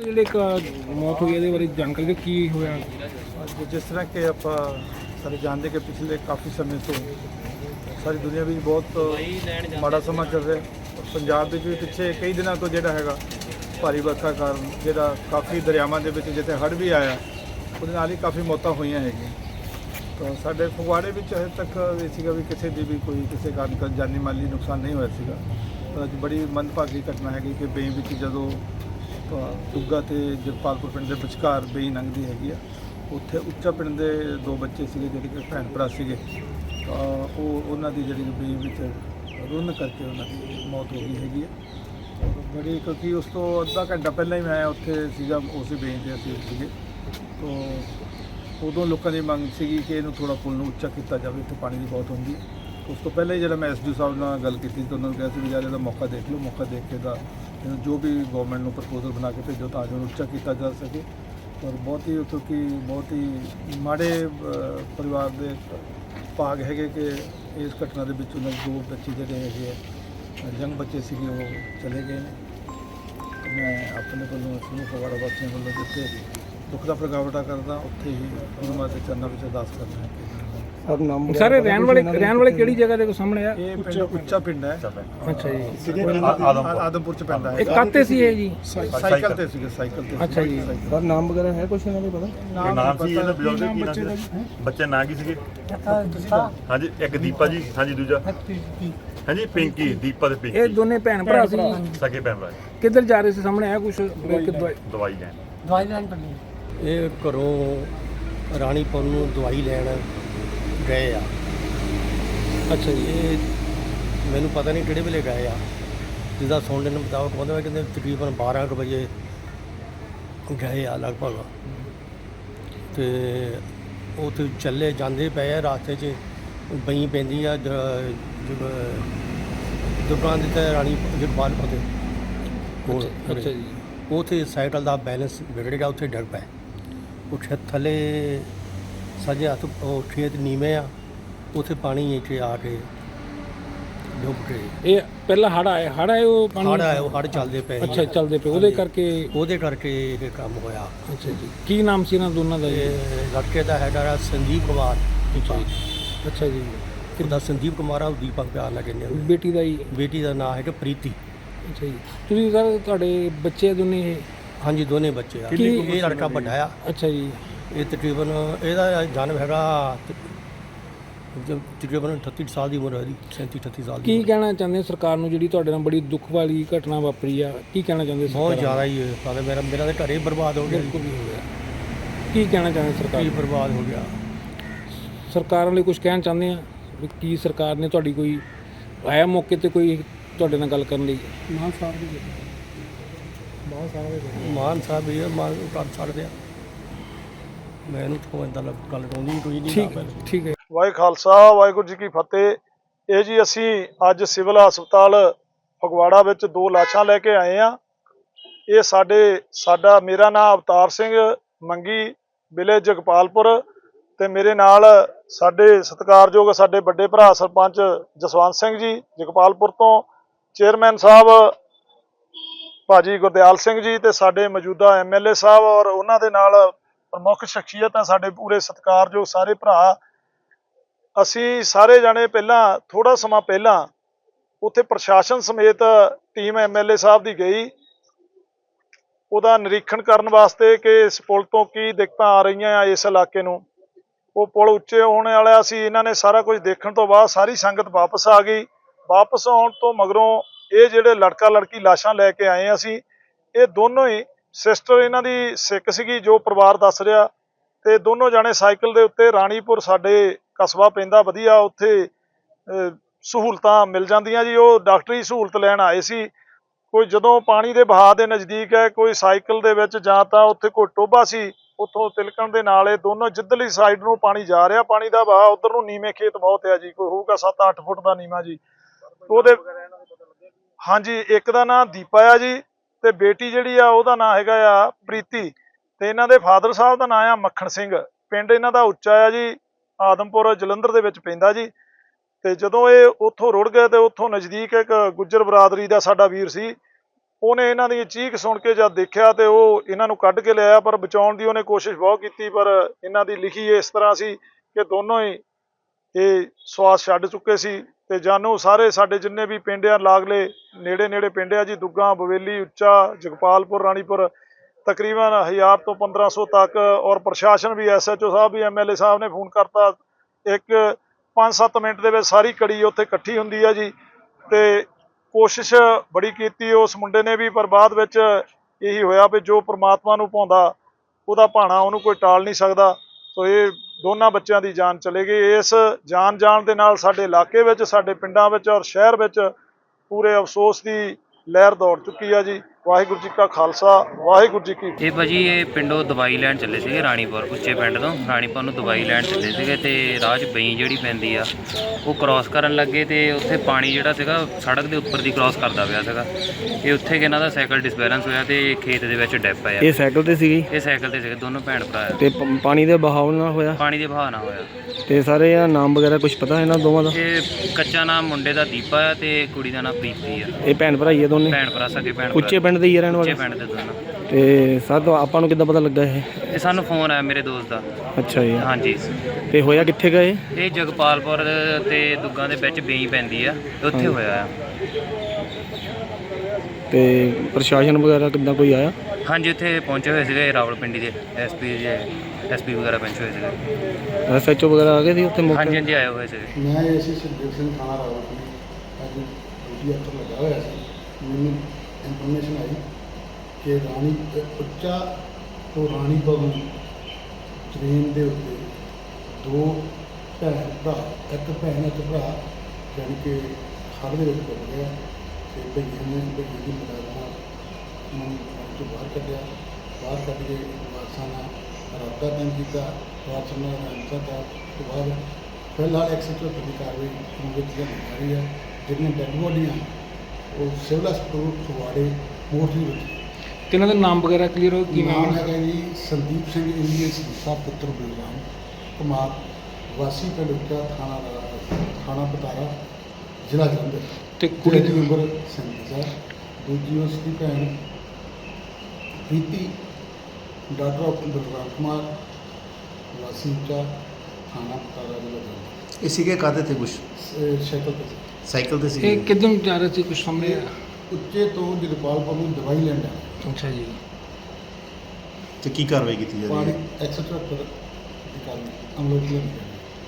ਜਿਹੜੇ ਇੱਕ ਮੌਤ ਹੋਈ ਇਹਦੇ ਬਾਰੇ ਜਾਣਕਾਰੀ ਦਿਓ, ਕੀ ਹੋਇਆ? ਜਿਸ ਤਰ੍ਹਾਂ ਕਿ ਆਪਾਂ ਸਾਰੇ ਜਾਣਦੇ ਕਿ ਪਿਛਲੇ ਕਾਫੀ ਸਮੇਂ ਤੋਂ ਸਾਰੀ ਦੁਨੀਆ ਵਿੱਚ ਬਹੁਤ ਮਾੜਾ ਸਮਾਂ ਚੱਲ ਰਿਹਾ। ਪੰਜਾਬ ਵਿੱਚ ਵੀ ਪਿੱਛੇ ਕਈ ਦਿਨਾਂ ਤੋਂ ਜਿਹੜਾ ਹੈਗਾ ਭਾਰੀ ਵਰਖਾ ਕਾਰਨ ਜਿਹੜਾ ਕਾਫੀ ਦਰਿਆਵਾਂ ਦੇ ਵਿੱਚ ਜਿੱਥੇ ਹੜ੍ਹ ਵੀ ਆਇਆ ਉਹਦੇ ਨਾਲ ਹੀ ਕਾਫੀ ਮੌਤਾਂ ਹੋਈਆਂ ਹੈਗੀਆਂ। ਤਾਂ ਸਾਡੇ ਫਗਵਾੜੇ ਵਿੱਚ ਹਜੇ ਤੱਕ ਇਹ ਸੀਗਾ ਵੀ ਕਿਸੇ ਦੀ ਵੀ ਕੋਈ ਕਿਸੇ ਕਾਰਨ ਜਾਨੀ ਮਾਲੀ ਨੁਕਸਾਨ ਨਹੀਂ ਹੋਇਆ ਸੀਗਾ। ਪਰ ਅੱਜ ਬੜੀ ਮੰਦਭਾਗੀ ਘਟਨਾ ਹੈਗੀ ਕਿ ਬੇਈ ਵਿੱਚ ਜਦੋਂ ਦੁੱਗਾ ਤੇ ਜਗਪਾਲਪੁਰ ਪਿੰਡ ਦੇ ਵਿਚਕਾਰ ਬੇਈ ਲੰਘਦੀ ਹੈਗੀ ਆ, ਉੱਥੇ ਉੱਚਾ ਪਿੰਡ ਦੇ ਦੋ ਬੱਚੇ ਸੀਗੇ ਜਿਹੜੇ ਕਿ ਭੈਣ ਭਰਾ ਸੀਗੇ। ਉਹਨਾਂ ਦੀ ਜਿਹੜੀ ਬੇਈ ਵਿੱਚ ਰੁੰਨ ਕਰਕੇ ਉਹਨਾਂ ਦੀ ਮੌਤ ਹੋ ਗਈ ਹੈਗੀ ਆ। ਬੜੀ ਕਿਉਂਕਿ ਉਸ ਤੋਂ ਅੱਧਾ ਘੰਟਾ ਪਹਿਲਾਂ ਹੀ ਮੈਂ ਉੱਥੇ ਸੀਗਾ, ਉਸੇ ਬੇਈ 'ਤੇ ਅਸੀਂ ਸੀਗੇ। ਤਾਂ ਉਦੋਂ ਲੋਕਾਂ ਦੀ ਮੰਗ ਸੀਗੀ ਕਿ ਇਹਨੂੰ ਥੋੜ੍ਹਾ ਪੁਲ ਨੂੰ ਉੱਚਾ ਕੀਤਾ ਜਾਵੇ, ਇੱਥੇ ਪਾਣੀ ਦੀ ਬਹੁਤ ਹੁੰਦੀ। ਉਸ ਤੋਂ ਪਹਿਲਾਂ ਹੀ ਜਿਹੜਾ ਮੈਂ ਐਸਡੀਓ ਸਾਹਿਬ ਨਾਲ ਗੱਲ ਕੀਤੀ ਤਾਂ ਉਹਨਾਂ ਨੂੰ ਕਿਹਾ ਸੀ ਵੀ ਯਾਰ ਇਹਦਾ ਮੌਕਾ ਦੇਖ ਲਓ, ਮੌਕਾ ਦੇਖ ਕੇ ਦਾ ਜੋ ਵੀ ਗਵਰਨਮੈਂਟ ਨੂੰ ਪ੍ਰਪੋਜ਼ਲ ਬਣਾ ਕੇ ਭੇਜੋ ਤਾਂ ਜੋ ਉੱਚਾ ਕੀਤਾ ਜਾ ਸਕੇ। ਔਰ ਬਹੁਤ ਹੀ ਕਿਉਂਕਿ ਬਹੁਤ ਹੀ ਮਾੜੇ ਪਰਿਵਾਰ ਦੇ ਭਾਗ ਹੈਗੇ ਕਿ ਇਸ ਘਟਨਾ ਦੇ ਵਿੱਚ ਉਹਨਾਂ ਦੇ ਦੋ ਬੱਚੇ ਜਿਹੜੇ ਹੈਗੇ ਆ ਯੰਗ ਬੱਚੇ ਸੀਗੇ ਉਹ ਚਲੇ ਗਏ ਨੇ। ਮੈਂ ਆਪਣੇ ਵੱਲੋਂ ਸਮੂਹ ਫਗਵਾੜਾ ਵਾਸੀਆਂ ਵੱਲੋਂ ਜਿੱਥੇ ਦੁੱਖ ਦਾ ਪ੍ਰਗਟਾਵਾ ਕਰਦਾ ਉੱਥੇ ਹੀ ਉਹਨਾਂ ਦੇ ਚਰਨਾਂ ਵਿੱਚ ਅਰਦਾਸ ਕਰਨਾ ਹੈ। ਸਾਰੇ ਰਹਿਣ ਵਾਲੇ ਕਿਹੜੀ ਜਗ੍ਹਾ ਦੇ ਸਾਹਮਣੇ ਆ? ਇਹ ਪਿੰਡ ਉੱਚਾ ਪਿੰਡ ਹੈ। ਅੱਛਾ ਜੀ, ਆਦਮਪੁਰ ਚ ਪੈਂਦਾ ਹੈ। ਇਹ ਕਾਤੇ ਸੀ ਇਹ ਜੀ? ਸਾਈਕਲ ਤੇ ਸੀਗੇ, ਸਾਈਕਲ ਤੇ। ਅੱਛਾ ਜੀ, ਸਰ ਨਾਮ ਵਗੈਰਾ ਹੈ ਕੁਛ ਇਹਨਾਂ ਦਾ ਪਤਾ? ਨਾਮ ਸੀ ਇਹਨਾਂ ਬਜ਼ੁਰਗ ਕੀ ਨਾਮ ਸੀ? ਬੱਚੇ ਨਾਂ ਕੀ ਸੀਗੇ? ਹਾਂਜੀ, ਇੱਕ ਦੀਪਾ ਜੀ, ਹਾਂਜੀ ਦੂਜਾ ਹਾਂਜੀ ਪਿੰਕੀ, ਦੀਪਾ ਤੇ ਪਿੰਕੀ। ਇਹ ਦੋਨੇ ਭੈਣ ਭਰਾ ਸੀ, ਸਕੇ ਭੈਣ ਭਰਾ। ਕਿੱਧਰ ਜਾ ਰਹੇ ਸੀ? ਸਾਹਮਣੇ ਆਇਆ ਕੁਛ? ਦਵਾਈ ਲੈਣ ਇਹ ਘਰੋਂ ਰਾਣੀਪੁਰ ਨੂੰ ਦਵਾਈ ਲੈਣ ਗਏ ਆ। ਅੱਛਾ ਜੀ, ਇਹ ਮੈਨੂੰ ਪਤਾ ਨਹੀਂ ਕਿਹੜੇ ਵੇਲੇ ਗਏ ਆ। ਜਿੱਦਾਂ ਸੁਣਨ ਨੂੰ ਮੁਤਾਬਕ ਕਹਿੰਦੇ ਤਕਰੀਬਨ 12 ਕੁ ਵਜੇ ਗਏ ਆ ਲਗਭਗ। ਤੇ ਉੱਥੇ ਚੱਲੇ ਜਾਂਦੇ ਪਏ ਆ, ਰਾਸਤੇ 'ਚ ਬਈ ਪੈਂਦੀ ਆ ਦੁਕਾਨ ਦੇ ਤੇ ਰਾਣੀ ਜਗਪਾਲਪੁਰ ਦੇ ਕੋਲ। ਅੱਛਾ ਜੀ, ਉੱਥੇ ਸਾਈਕਲ ਦਾ ਬੈਲੈਂਸ ਵਿਗੜ ਗਿਆ, ਉੱਥੇ ਡਿੱਗ ਪਏ। ਉੱਥੇ ਥੱਲੇ ਸੱਜੇ ਹੱਥ ਉਹ ਖੇਤ ਨੀਵੇਂ ਆ, ਉੱਥੇ ਪਾਣੀ ਇੱਥੇ ਆ ਕੇ ਡੁੱਬ ਗਏ। ਇਹ ਪਹਿਲਾਂ ਹੜ੍ਹ ਆਏ ਉਹ ਪਾਣੀ? ਹੜ੍ਹ ਚੱਲਦੇ ਪਏ। ਅੱਛਾ, ਚੱਲਦੇ ਪਏ, ਉਹਦੇ ਕਰਕੇ ਇਹ ਕੰਮ ਹੋਇਆ। ਅੱਛਾ ਜੀ, ਕੀ ਨਾਮ ਸੀ ਇਹਨਾਂ ਦੋਨਾਂ ਦਾ? ਇਹ ਲੜਕੇ ਦਾ ਹੈਗਾ ਸੰਦੀਪ ਕੁਮਾਰ। ਅੱਛਾ ਜੀ, ਕਿੱਦਾਂ ਸੰਦੀਪ ਕੁਮਾਰ ਆ, ਉਹ ਦੀਪਕ ਪਿਆਰ ਨਾਲ ਕਹਿੰਦੇ ਆ। ਬੇਟੀ ਦਾ ਹੀ? ਬੇਟੀ ਦਾ ਨਾਮ ਹੈਗਾ ਪ੍ਰੀਤੀ। ਅੱਛਾ ਜੀ, ਤੁਸੀਂ ਸਰ ਤੁਹਾਡੇ ਬੱਚੇ ਦੋਨੇ ਇਹ? ਹਾਂਜੀ, ਦੋਨੇ ਬੱਚੇ ਆ। ਇਹ ਲੜਕਾ ਵੱਡਾ ਆ। ਅੱਛਾ ਜੀ, ਇਹ ਤਕਰੀਬਨ ਇਹਦਾ ਜਨਮ ਹੈਗਾ ਤਕਰੀਬਨ 38 ਸਾਲ ਦੀ ਉਮਰ ਹੈ ਇਹਦੀ, 37-38 ਸਾਲ ਦੀ। ਕੀ ਕਹਿਣਾ ਚਾਹੁੰਦੇ ਸਰਕਾਰ ਨੂੰ ਜਿਹੜੀ ਤੁਹਾਡੇ ਨਾਲ ਬੜੀ ਦੁੱਖ ਵਾਲੀ ਘਟਨਾ ਵਾਪਰੀ ਆ? ਕੀ ਕਹਿਣਾ ਚਾਹੁੰਦੇ? ਬਹੁਤ ਜ਼ਿਆਦਾ ਹੀ ਹੈ। ਮੇਰਾ ਤਾਂ ਘਰੇ ਬਰਬਾਦ ਹੋ ਗਿਆ। ਕੀ ਕਹਿਣਾ ਚਾਹੁੰਦੇ ਸਰਕਾਰ? ਕੀ ਬਰਬਾਦ ਹੋ ਗਿਆ। ਸਰਕਾਰਾਂ ਲਈ ਕੁਝ ਕਹਿਣਾ ਚਾਹੁੰਦੇ ਆ ਵੀ ਕੀ ਸਰਕਾਰ ਨੇ ਤੁਹਾਡੀ ਕੋਈ ਆਇਆ ਮੌਕੇ ਤੇ ਕੋਈ ਤੁਹਾਡੇ ਨਾਲ ਗੱਲ ਕਰਨ ਲਈ? ਮਾਨ ਸਾਹਿਬ ਵੀ ਮਾਨ ਕਰ ਸਕਦੇ ਆ। ਮੈਨੂੰ ਤਾਂ ਇਦਾਂ ਗੱਲ ਆਉਂਦੀ ਕੋਈ ਨਹੀਂ। ਠੀਕ ਹੈ। ਵਾਹਿਗੁਰੂ ਖਾਲਸਾ ਵਾਹਿਗੁਰੂ ਜੀ ਕੀ ਫਤਿਹ। ਇਹ ਜੀ ਅਸੀਂ ਅੱਜ ਸਿਵਲ ਹਸਪਤਾਲ ਫਗਵਾੜਾ ਵਿੱਚ ਦੋ ਲਾਸ਼ਾਂ ਲੈ ਕੇ ਆਏ ਆ। ਇਹ ਸਾਡਾ ਮੇਰਾ ਨਾਮ ਅਵਤਾਰ ਸਿੰਘ ਮੰਗੀ, ਵਿਲੇਜ ਜਗਪਾਲਪੁਰ, ਤੇ ਮੇਰੇ ਨਾਲ ਸਾਡੇ ਸਤਿਕਾਰਯੋਗ ਸਾਡੇ ਵੱਡੇ ਭਰਾ ਸਰਪੰਚ ਜਸਵੰਤ ਸਿੰਘ ਜੀ ਜਗਪਾਲਪੁਰ ਤੋਂ, ਚੇਅਰਮੈਨ ਸਾਹਿਬ ਭਾਜੀ ਗੁਰਦਿਆਲ ਸਿੰਘ ਜੀ, ਤੇ ਸਾਡੇ ਮੌਜੂਦਾ ਐਮਐਲਏ ਸਾਹਿਬ ਔਰ ਉਹਨਾਂ ਦੇ ਨਾਲ ਪ੍ਰਮੁੱਖ ਸ਼ਖਸੀਅਤ ਆ ਸਾਡੇ ਪੂਰੇ ਸਤਿਕਾਰਯੋਗ ਸਾਰੇ ਭਰਾ। ਅਸੀਂ ਸਾਰੇ ਜਾਣੇ ਪਹਿਲਾਂ ਥੋੜਾ ਸਮਾਂ ਪਹਿਲਾਂ ਉੱਥੇ ਪ੍ਰਸ਼ਾਸਨ ਸਮੇਤ ਟੀਮ ਐਮਐਲਏ ਸਾਹਿਬ ਦੀ ਗਈ ਉਹਦਾ ਨਿਰੀਖਣ ਕਰਨ ਵਾਸਤੇ ਕਿ ਇਸ ਪੁਲ ਤੋਂ ਕੀ ਦਿੱਕਤਾਂ ਆ ਰਹੀਆਂ ਆ ਇਸ ਇਲਾਕੇ ਨੂੰ। ਉਹ ਪੁਲ ਉੱਚੇ ਹੋਣ ਵਾਲਾ ਸੀ। ਇਹਨਾਂ ਨੇ ਸਾਰਾ ਕੁਝ ਦੇਖਣ ਤੋਂ ਬਾਅਦ ਸਾਰੀ ਸੰਗਤ ਵਾਪਸ ਆ ਗਈ। ਵਾਪਸ ਆਉਣ ਤੋਂ ਮਗਰੋਂ ਇਹ ਜਿਹੜੇ ਲੜਕਾ ਲੜਕੀ ਲਾਸ਼ਾਂ ਲੈ ਕੇ ਆਏ ਅਸੀਂ, ਇਹ ਦੋਨੋਂ ਹੀ ਸਿਸਟਰ ਇਹਨਾਂ ਦੀ ਸਿੱਖ ਸੀਗੀ ਜੋ ਪਰਿਵਾਰ ਦੱਸ ਰਿਹਾ, ਤੇ ਦੋਨੋਂ ਜਾਣੇ ਸਾਈਕਲ ਦੇ ਉੱਤੇ ਰਾਣੀਪੁਰ ਸਾਡੇ ਕਸਬਾ ਪੈਂਦਾ ਵਧੀਆ, ਉੱਥੇ ਸਹੂਲਤਾਂ ਮਿਲ ਜਾਂਦੀਆਂ ਜੀ। ਉਹ ਡਾਕਟਰੀ ਸਹੂਲਤ ਲੈਣ ਆਏ ਸੀ। ਕੋਈ ਜਦੋਂ ਪਾਣੀ ਦੇ ਵਹਾਅ ਦੇ ਨਜ਼ਦੀਕ ਹੈ, ਕੋਈ ਸਾਈਕਲ ਦੇ ਵਿੱਚ ਜਾਂ ਤਾਂ ਉੱਥੇ ਕੋਈ ਟੋਭਾ ਸੀ, ਉੱਥੋਂ ਤਿਲਕਣ ਦੇ ਨਾਲ ਇਹ ਦੋਨੋਂ ਜਿੱਧਰਲੀ ਸਾਈਡ ਨੂੰ ਪਾਣੀ ਜਾ ਰਿਹਾ, ਪਾਣੀ ਦਾ ਵਹਾਅ ਉਧਰ ਨੂੰ ਨੀਵੇਂ ਖੇਤ ਬਹੁਤ ਆ ਜੀ, ਕੋਈ ਹੋਊਗਾ 7-8 ਫੁੱਟ ਦਾ ਨੀਵਾਂ ਜੀ। ਉਹਦੇ ਹਾਂਜੀ, ਇੱਕ ਦਾ ਨਾਂ ਦੀਪਾ ਆ ਜੀ, ਤੇ ਬੇਟੀ ਜਿਹੜੀ ਆ ਉਹਦਾ ਨਾਂ ਹੈਗਾ ਆ ਪ੍ਰੀਤੀ, ਤੇ ਇਹਨਾਂ ਦੇ ਫਾਦਰ ਸਾਹਿਬ ਦਾ ਨਾਂ ਆ ਮੱਖਣ ਸਿੰਘ। ਪਿੰਡ ਇਹਨਾਂ ਦਾ ਉੱਚਾ ਆ ਜੀ, ਆਦਮਪੁਰ ਜਲੰਧਰ ਦੇ ਵਿੱਚ ਪੈਂਦਾ ਜੀ। ਤੇ ਜਦੋਂ ਇਹ ਉੱਥੋਂ ਰੁੜ ਗਏ ਤੇ ਉੱਥੋਂ ਨਜ਼ਦੀਕ ਇੱਕ ਗੁੱਜਰ ਬਰਾਦਰੀ ਦਾ ਸਾਡਾ ਵੀਰ ਸੀ, ਉਹਨੇ ਇਹਨਾਂ ਦੀ ਚੀਖ ਸੁਣ ਕੇ ਜਦ ਦੇਖਿਆ ਤੇ ਉਹ ਇਹਨਾਂ ਨੂੰ ਕੱਢ ਕੇ ਲਿਆਇਆ, ਪਰ ਬਚਾਉਣ ਦੀ ਉਹਨੇ ਕੋਸ਼ਿਸ਼ ਬਹੁਤ ਕੀਤੀ, ਪਰ ਇਹਨਾਂ ਦੀ ਲਿਖੀ ਇਸ ਤਰ੍ਹਾਂ ਸੀ ਕਿ ਦੋਨੋਂ ਹੀ ਇਹ ਸਵਾਸ ਛੱਡ ਚੁੱਕੇ ਸੀ। ਤੇ ਜਾਨੂ ਸਾਰੇ ਸਾਡੇ ਜਿੰਨੇ ਵੀ ਪਿੰਡ ਆ ਲਾਗਲੇ ਨੇੜੇ ਪਿੰਡ ਆ ਜੀ, ਦੁੱਗਾ, ਬਵੇਲੀ, ਉੱਚਾ, ਜਗਪਾਲਪੁਰ, ਰਾਣੀਪੁਰ, ਤਕਰੀਬਨ 1000 ਤੋਂ 1500 ਤੱਕ, ਔਰ ਪ੍ਰਸ਼ਾਸਨ ਵੀ SHO ਸਾਹਿਬ ਵੀ MLA ਸਾਹਿਬ ਨੇ ਫੋਨ ਕਰਤਾ। ਇੱਕ 5-7 ਮਿੰਟ ਦੇ ਵਿੱਚ ਸਾਰੀ ਕੜੀ ਉੱਥੇ ਇਕੱਠੀ ਹੁੰਦੀ ਆ ਜੀ, ਤੇ ਕੋਸ਼ਿਸ਼ ਬੜੀ ਕੀਤੀ ਉਸ ਮੁੰਡੇ ਨੇ ਵੀ, ਪਰ ਬਾਅਦ ਵਿੱਚ ਇਹੀ ਹੋਇਆ ਵੀ ਜੋ ਪ੍ਰਮਾਤਮਾ ਨੂੰ ਭਾਉਂਦਾ ਉਹਦਾ ਭਾਣਾ ਉਹਨੂੰ ਕੋਈ ਟਾਲ ਨਹੀਂ ਸਕਦਾ। ਸੋ ਇਹ ਦੋਨਾਂ ਬੱਚਿਆਂ ਦੀ ਜਾਨ ਚਲੇ ਗਈ। ਇਸ ਜਾਨ ਜਾਣ ਦੇ ਨਾਲ ਸਾਡੇ ਇਲਾਕੇ ਵਿੱਚ, ਸਾਡੇ ਪਿੰਡਾਂ ਵਿੱਚ ਔਰ ਸ਼ਹਿਰ ਵਿੱਚ ਪੂਰੇ ਅਫਸੋਸ ਦੀ ਲਹਿਰ ਦੌੜ ਚੁੱਕੀ ਆ ਜੀ। ਵਾਹਿਗੁਰੂ ਜੀ ਕਾ ਖਾਲਸਾ, ਵਾਹਿਗੁਰੂ ਜੀ ਕੀ ਫਤਿਹ। ਇਹ ਭਾਜੀ ਇਹ ਪਿੰਡੋਂ ਦਵਾਈ ਲੈਣ ਚੱਲੇ ਸੀਗੇ ਰਾਣੀਪੁਰ, ਉੱਚੇ ਪਿੰਡ ਤੋਂ ਰਾਣੀਪੁਰ ਨੂੰ ਦਵਾਈ ਲੈਣ ਚੱਲੇ ਸੀਗੇ ਤੇ ਰਾਹ 'ਚ ਬਈ ਜਿਹੜੀ ਪੈਂਦੀ ਆ ਉਹ ਕ੍ਰਾਸ ਕਰਨ ਲੱਗੇ ਤੇ ਉੱਥੇ ਪਾਣੀ ਜਿਹੜਾ ਸੀਗਾ ਸੜਕ ਦੇ ਉੱਪਰ ਦੀ ਕ੍ਰਾਸ ਕਰਦਾ ਪਿਆ ਸੀਗਾ। ਇਹ ਉੱਥੇ ਕਿ ਇਹਨਾਂ ਦਾ ਸਾਈਕਲ ਡਿਸਬੈਲੈਂਸ ਹੋਇਆ ਤੇ ਖੇਤ ਦੇ ਵਿੱਚ ਡਿੱਪ ਪਿਆ। ਇਹ ਸਾਈਕਲ ਤੇ ਸੀਗੀ ਇਹ ਸਾਈਕਲ ਤੇ ਸੀਗੇ ਦੋਨੋਂ ਭੈਣ ਭਰਾ ਆ। ਤੇ ਪਾਣੀ ਦੇ ਬਹਾਵ ਨਾਲ ਹੋਇਆ ਪਾਣੀ ਦੇ ਵਹਾਅ ਨਾਲ ਹੋਇਆ। ਤੇ ਸਾਰੇ ਇਹ ਨਾਮ ਵਗੈਰਾ ਕੁਝ ਪਤਾ ਇਹਨਾਂ ਦੋਵਾਂ ਦਾ? ਇਹ ਕੱਚਾ ਨਾਮ ਮੁੰਡੇ ਦਾ ਦੀਪਾ ਆ ਤੇ ਕੁੜੀ ਦਾ ਨਾਮ ਪ੍ਰੀਤੀ ਆ। ਇਹ ਭੈਣ ਭਰਾ ਹੀ ਆ ਦੋਨੇ? ਭੈਣ ਭਰਾ ਸਕੇ ਭੈਣ ਉੱਚੇ ਪਿੰਡ ਦੇ ਹੀ ਆ ਰਹਿਣ ਉੱਚੇ ਵਾਲੇ? ਪਿੰਡ ਦੇ ਦੋਨੋਂ। ਤੇ ਸਰ ਆਪਾਂ ਨੂੰ ਕਿੱਦਾਂ ਪਤਾ ਲੱਗਾ ਇਹ? ਇਹ ਸਾਨੂੰ ਫੋਨ ਆਇਆ ਮੇਰੇ ਦੋਸਤ ਦਾ। ਅੱਛਾ ਜੀ। ਹਾਂਜੀ। ਤੇ ਹੋਇਆ ਕਿੱਥੇ ਗਏ? ਇਹ ਜਗਪਾਲਪੁਰ ਤੇ ਦੁੱਗਾ ਦੇ ਵਿੱਚ ਬੇਈ ਪੈਂਦੀ ਆ, ਉੱਥੇ ਹੋਇਆ ਆ। ਤੇ ਪ੍ਰਸ਼ਾਸਨ ਵਗੈਰਾ ਕਿੱਦਾਂ ਕੋਈ ਆਇਆ? ਹਾਂਜੀ, ਉੱਥੇ ਪਹੁੰਚੇ ਹੋਏ ਸੀਗੇ ਰਾਵਲਪਿੰਡੀ ਦੇ SP ਵਗੈਰਾ ਪਹੁੰਚੇ ਹੋਏ ਸੀਗੇ। SHO ਵਗੈਰਾ ਆ ਗਏ ਸੀ ਉੱਥੇ ਮੌਕੇ? ਹਾਂਜੀ ਹਾਂਜੀ, ਆਏ ਹੋਏ ਸੀਗੇ। ਮੈਂ ਇਸੇ ਸੁਖਦੇਵ ਸਿੰਘ ਥਾਣਾ ਰਾਵਲਪਿੰਡੀ ਅੱਜ ਡਿਊਟੀ ਅਫਸਰ ਲੱਗਾ ਹੋਇਆ ਸੀ। ਮੈਨੂੰ ਇਨਫੋਰਮੇਸ਼ਨ ਆਈ ਕਿ ਰਾਣੀ ਉੱਚਾ ਤੋਂ ਰਾਣੀਪੁਰ ਨੂੰ ਟ੍ਰੇਨ ਦੇ ਉੱਤੇ ਦੋ ਭੈਣ ਭਰਾ, ਇੱਕ ਭੈਣ ਇੱਕ ਭਰਾ ਜਾਣੀ ਕਿ ਹੜ੍ਹ ਦੇ ਵਿੱਚ ਡੁੱਬ ਗਿਆ ਤੇ ਭਈਏ ਨੇ ਭਈਏ ਦੀ ਮਦਦ ਨਾਲ ਉਹਨੂੰ ਪਾਣੀ ਤੋਂ ਬਾਹਰ ਕੱਢਿਆ। ਬਾਹਰ ਕੱਢ ਕੇ ਵਾਰਸਾਂ ਨਾਲ ਰਾਬਤਾ ਕਾਇਮ ਕੀਤਾ, ਵਾਰਸਾਂ ਨਾਲ ਰਾਬਤਾ ਦਾ ਤੋਂ ਬਾਅਦ ਫਿਲਹਾਲ 174 ਦੀ ਕਾਰਵਾਈ ਵਿੱਚ ਜਾ ਰਹੀ ਹੈ। ਜਿਹੜੀਆਂ ਡੈਡ ਬੋਡੀਆਂ ਉਹ ਸਿਵਲ ਹਸਪਤਾਲ ਫਗਵਾੜੇ ਮੋਰਚਰੀ ਵਿੱਚ। ਤੇ ਇਹਨਾਂ ਦਾ ਨਾਮ ਵਗੈਰਾ ਕਲੀਅਰ ਹੋ? ਕੀ ਨਾਮ ਹੈਗਾ ਜੀ ਸੰਦੀਪ ਸਿੰਘ ਇੰਡੀਅਨ ਸਾਹਿਬ ਪੁੱਤਰ ਬਲਰਾਮ ਕੁਮਾਰ, ਵਾਸੀ ਪਿੰਡ ਉੱਚਾ, ਥਾਣਾ ਪਤਾਰਾ, ਜ਼ਿਲ੍ਹਾ ਜਲੰਧਰ। ਤੇ ਕੁੜੀ ਦੀ ਉਮਰ 37 ਸਾਲ। ਦੂਜੀ ਉਸ ਦੀ ਭੈਣ ਪ੍ਰੀਤੀ ਡਾਕਟਰ ਆਫ ਬਲਰਾਮ ਕੁਮਾਰ, ਵਾਸੀ ਉੱਚਾ, ਥਾਣਾ ਪਤਾਰਾ, ਜ਼ਿਲ੍ਹਾ ਜਲੰਧਰ। ਇਹ ਸੀਗੇ ਕਾਹਦੇ ਤੇ ਕੁਛ? ਸਾਈਕਲ ਤੇ ਸਾਈਕਲ ਤੇ ਇਹ ਸੀਗੇ? ਕਿੱਧਰ ਜਾ ਰਹੇ ਸੀ, ਕੁਝ ਸਾਹਮਣੇ? ਉੱਚੇ ਤੋਂ ਜਗਪਾਲਪੁਰ ਨੂੰ ਦਵਾਈ ਲੈਣ ਜਾਣਾ। ਅੱਛਾ ਜੀ। ਤੇ ਕੀ ਕਾਰਵਾਈ ਕੀਤੀ ਜਾ ਰਹੀ ਪਾਣੀ ਹੈ? 174 ਦੀ ਕਾਰਵਾਈ ਅਮਲ ਵਿੱਚ ਲਿਆਂਦੀ ਹੈ।